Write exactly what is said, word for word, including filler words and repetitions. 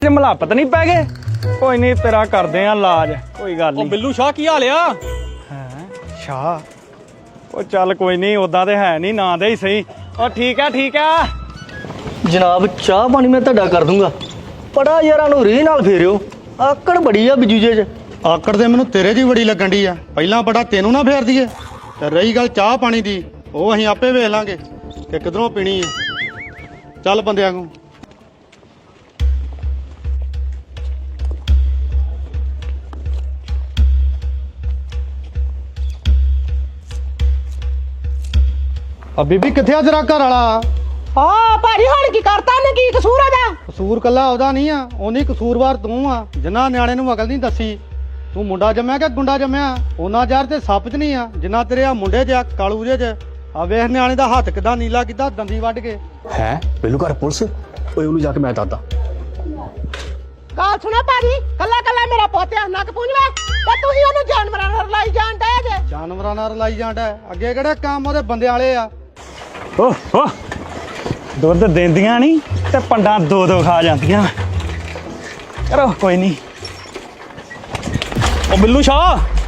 ਮਲਾਪਤ ਨਹੀਂ ਪੈ ਗਏ ਕੋਈ ਨਹੀਂ ਤੇਰਾ ਕਰਦੇ ਆ ਇਲਾਜ ਕੋਈ ਗੱਲ ਨਹੀਂ। ਬਿੱਲੂ ਸ਼ਾਹ ਕੀ ਹਾਲ ਆ? ਹੈ ਸ਼ਾਹ ਉਹ ਚੱਲ ਕੋਈ ਨਹੀਂ ਉਦਾਂ ਤੇ ਹੈ ਨਹੀਂ ਨਾਂ ਦੇ ਹੀ ਸਹੀ। ਉਹ ਠੀਕ ਆ ਠੀਕ ਆ ਜਨਾਬ ਚਾਹ ਪਾਣੀ ਮੈਂ ਤੁਹਾਡਾ ਕਰ ਦੂੰਗਾ ਪੜਾ ਯਾਰਾਂ ਨੂੰ ਰੀਹ ਨਾਲ ਫੇਰਿਓ ਆਕੜ ਬੜੀ ਆ ਬਿਜੂਜੇ ਚ। ਆਕੜ ਤੇ ਮੈਨੂੰ ਤੇਰੇ ਦੀ ਬੜੀ ਲੱਗਣ ਦੀ ਆ ਪਹਿਲਾਂ ਬੜਾ ਤੈਨੂੰ ਨਾ ਫੇਰ ਦਈਏ ਤੇ ਰਹੀ ਗੱਲ ਚਾਹ ਪਾਣੀ ਦੀ ਉਹ ਅਸੀਂ ਆਪੇ ਵੇਖ ਲਾਂਗੇ ਕਿ ਕਿਧਰੋਂ ਪੀਣੀ ਹੈ। ਚੱਲ ਬੰਦਿਆਂ ਨੂੰ ਆ ਬੀਬੀ ਕਿੱਥੇ ਆ ਤੇਰਾ ਘਰ ਵਾਲਾ? ਹਾਂ ਭਾਜੀ ਹੁਣ ਕੀ ਕਰਤਾ ਨੇ ਕੀ ਕਸੂਰ ਆ ਦਾ? ਕਸੂਰ ਕੱਲਾ ਉਹਦਾ ਨਹੀਂ ਆ ਉਹਨੀ ਕਸੂਰਵਾਰ ਤੂੰ ਆ ਜਿੰਨਾ ਨਿਆਣੇ ਨੂੰ ਅਕਲ ਨਹੀਂ ਦੱਸੀ। ਤੂੰ ਮੁੰਡਾ ਜੰਮਿਆ ਕਿ ਗੁੰਡਾ ਜੰਮਿਆ ਉਹਨਾਂ ਯਾਰ ਤੇ ਸੱਪ ਚ ਨਹੀਂ ਆ ਜਿੰਨਾ ਤੇਰੇ ਆ ਮੁੰਡੇ ਚ ਆ ਕਾਲੂ ਜੇ ਚ ਆ ਵੇਖ ਨਿਆਣੇ ਦਾ ਹੱਥ ਕਿਦਾਂ ਨੀਲਾ ਕੀਤਾ ਦੰਦੀ ਵੱਢ ਕੇ ਹੈ ਬਿੱਲੂ ਘਰ ਪੁਲਿਸ ਓਏ ਉਹਨੂੰ ਜਾ ਕੇ ਮੈਂ ਦੱਸਦਾ। ਗੱਲ ਸੁਣਾ ਭਾਜੀ ਕੱਲਾ ਕੱਲਾ ਮੇਰਾ ਪੋਤਿਆ ਨੱਕ ਪੂੰਝਵਾ ਤੇ ਤੁਸੀਂ ਉਹਨੂੰ ਜਾਨਵਰਾਂ ਨਾਲ ਲਾਈ ਜਾਣ ਡਏ ਜੇ। ਜਾਨਵਰਾਂ ਨਾਲ ਲਾਈ ਜਾਂਦਾ ਅੱਗੇ ਕਿਹੜੇ ਕੰਮ ਉਹਦੇ ਬੰਦੇ ਵਾਲੇ ਆ। ਓਹ ਓਹ ਦੁੱਧ ਦਿੰਦੀਆਂ ਨਹੀਂ ਤੇ ਪੰਡਾਂ ਦੋ ਦੋ ਖਾ ਜਾਂਦੀਆਂ। ਕਰੋ ਕੋਈ ਨਹੀਂ। ਉਹ ਬਿੱਲੂ ਸ਼ਾਹ